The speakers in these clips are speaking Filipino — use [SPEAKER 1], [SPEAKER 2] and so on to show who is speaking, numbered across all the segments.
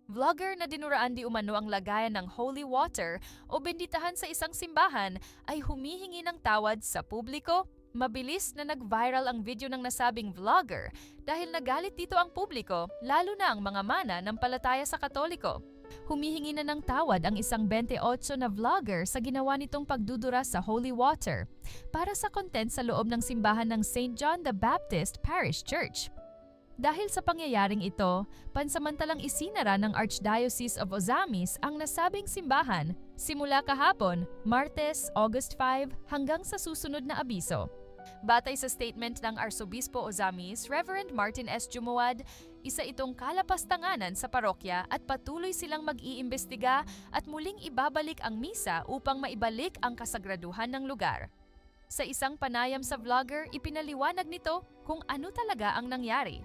[SPEAKER 1] Vlogger na dinuraan di umano ang lagayan ng holy water o benditahan sa isang simbahan ay humihingi ng tawad sa publiko. Mabilis na nag-viral ang video ng nasabing vlogger dahil nagalit dito ang publiko, lalo na ang mga mana ng palataya sa Katoliko. Humihingi na ng tawad ang isang 28 na vlogger sa ginawa nitong pagdudura sa holy water para sa content sa loob ng simbahan ng St. John the Baptist Parish Church. Dahil sa pangyayaring ito, pansamantalang isinara ng Archdiocese of Ozamis ang nasabing simbahan simula kahapon, Martes, August 5 hanggang sa susunod na abiso. Batay sa statement ng Arsobispo Ozamis, Reverend Martin S. Jumuad, isa itong kalapastanganan sa parokya at patuloy silang mag-iimbestiga at muling ibabalik ang misa upang maibalik ang kasagraduhan ng lugar. Sa isang panayam sa vlogger, ipinaliwanag nito kung ano talaga ang nangyari.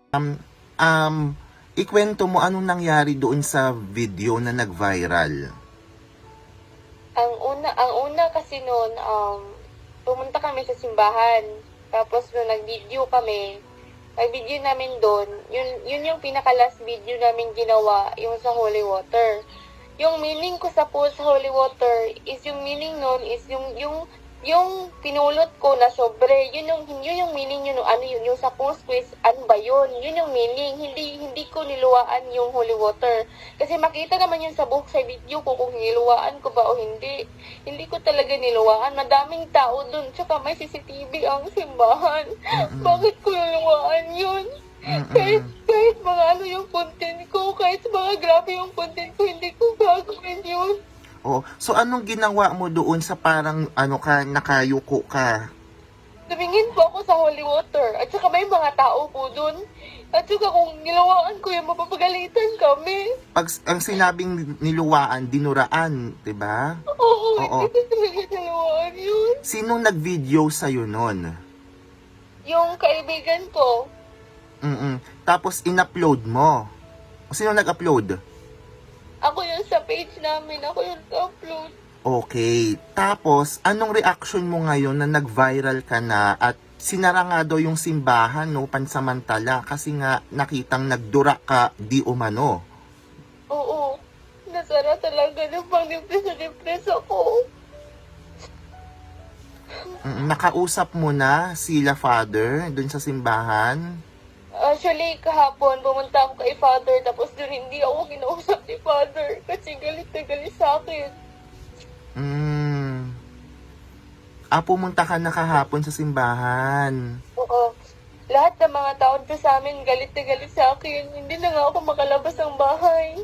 [SPEAKER 2] Ikwento mo anong nangyari doon sa video na nag-viral.
[SPEAKER 3] Ang una kasi noon, pumunta kami sa simbahan. Tapos nung nag-video namin doon, yun yung pinaka-last video namin ginawa, yung sa holy water. Yung meaning ko sa post sa holy water is yung meaning noon is yung pinulot ko na sobre, yun yung meaning yun, yung sa post quiz, ano ba yun? Yun yung meaning, hindi ko niluwaan yung holy water. Kasi makita naman yun sa buhok sa video ko kung niluwaan ko ba o hindi. Hindi ko talaga niluwaan. Madaming tao dun, tsaka may CCTV ang simbahan. Bakit ko niluwaan yun? Kahit mga ano yung content ko, kahit mga grabe yung content ko, hindi ko gagawin yun.
[SPEAKER 2] Oh, so anong ginawa mo doon sa parang nakayuko ka?
[SPEAKER 3] Tumingin po ako sa holy water. At saka may mga tao po dun. At saka kung nilawaan ko yung mapapagalitan kami.
[SPEAKER 2] Pag ang sinabing niluwaan, dinuraan, 'di ba?
[SPEAKER 3] Oo,
[SPEAKER 2] Oo.
[SPEAKER 3] hindi ko talaga nilawaan yun.
[SPEAKER 2] Sinong nag-video sa noon?
[SPEAKER 3] Yung kaibigan ko,
[SPEAKER 2] Tapos in-upload mo. Sino nag-upload?
[SPEAKER 3] ako yun sa page namin, ako yun upload.
[SPEAKER 2] Okay. Tapos, anong reaction mo ngayon na nag-viral ka na at sinara nga daw yung simbahan, no, pansamantala, kasi nga nakitang nagdura ka di umano.
[SPEAKER 3] Oo, nasara talaga ng pang-depress ako.
[SPEAKER 2] Nakausap mo na sila Father dun sa simbahan?
[SPEAKER 3] Actually, kahapon, pumunta ako kay Father, tapos doon hindi ako kinausap ni Father kasi galit na galit sa akin.
[SPEAKER 2] Pumunta ka na kahapon sa simbahan.
[SPEAKER 3] Oo. Lahat ng mga tao doon sa amin galit na galit sa akin. Hindi na nga ako makalabas ng bahay.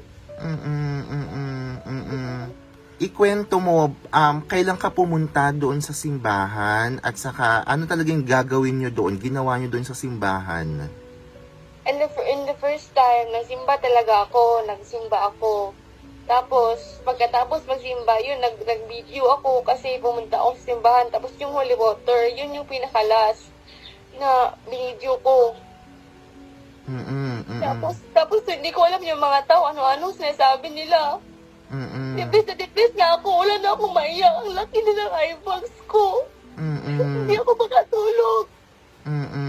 [SPEAKER 2] Ikwento mo, kailan ka pumunta doon sa simbahan at saka ano talagang gagawin nyo doon, ginawa nyo doon sa simbahan?
[SPEAKER 3] In the first time, nagsimba ako. Tapos, pagkatapos magsimba, yun, nag-video ako kasi pumunta ako sa simbahan. Tapos yung holy water, yun yung pinakalas na binidyo ko. Tapos hindi ko alam yung mga tao, ano-ano sinasabi nila. Depressed na ako, wala na akong maiyak. Ang laki na ng eyebags ko. Hindi ako makatulog.